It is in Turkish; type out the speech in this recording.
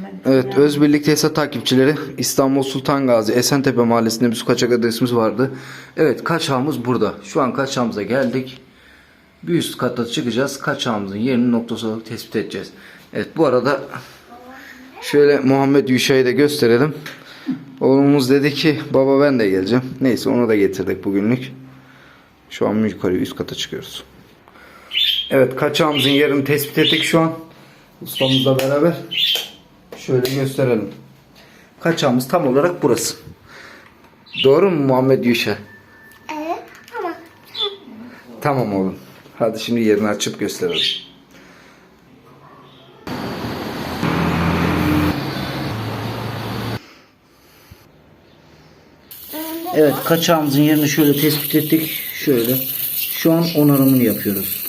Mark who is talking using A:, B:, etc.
A: Evet, Özbirlik Tesisat takipçileri, İstanbul Sultan Gazi Esentepe Mahallesi'nde bir su kaçak adresimiz vardı. Evet, kaçağımız burada. Şu an kaçağımıza geldik. Bir üst kata çıkacağız. Kaçağımızın yerini noktası olarak tespit edeceğiz. Evet, bu arada şöyle Muhammed Yuşa'yı da gösterelim. Oğlumuz dedi ki baba ben de geleceğim. Neyse, onu da getirdik bugünlük. Şu an yukarı üst kata çıkıyoruz. Evet, kaçağımızın yerini tespit ettik şu an. Ustamızla beraber. Şöyle gösterelim. Kaçağımız tam olarak burası. Doğru mu Muhammed Yuşa?
B: Evet, tamam.
A: Tamam oğlum. Hadi şimdi yerini açıp gösterelim. Evet, kaçağımızın yerini şöyle tespit ettik. Şöyle. Şu an onarımını yapıyoruz.